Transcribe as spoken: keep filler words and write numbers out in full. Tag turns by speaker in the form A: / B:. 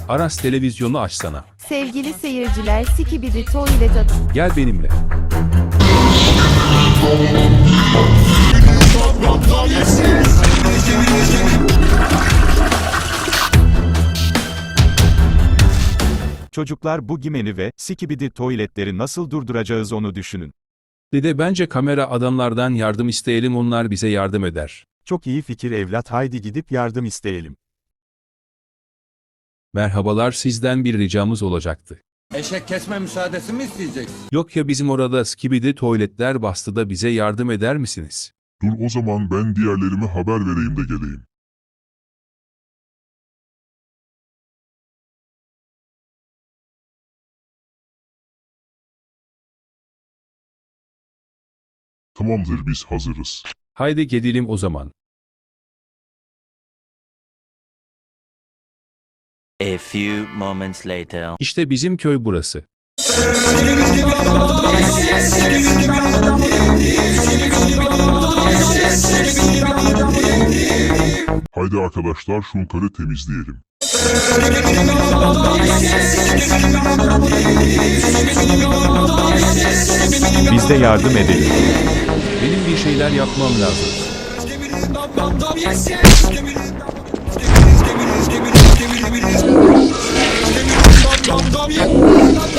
A: Aras televizyonu açsana.
B: Sevgili seyirciler, Skibidi Toilet adı.
A: Gel benimle.
C: Çocuklar bu Gimeni ve Skibidi tuvaletleri nasıl durduracağız onu düşünün.
A: Dede bence kamera adamlardan yardım isteyelim, onlar bize yardım eder.
C: Çok iyi fikir evlat, haydi gidip yardım isteyelim.
A: Merhabalar, sizden bir ricamız olacaktı.
D: Eşek kesme müsaadesi mi isteyeceksin?
A: Yok ya, bizim orada skibidi tuvaletler bastı da bize yardım eder misiniz?
E: Dur o zaman ben diğerlerime haber vereyim de geleyim. Tamamdır, biz hazırız.
A: Haydi gidelim o zaman.
F: A few moments later.
A: İşte bizim köy burası.
E: Haydi arkadaşlar, şunları temizleyelim.
C: Biz de yardım edelim.
A: Benim bir şeyler yapmam lazım.
G: Skibidi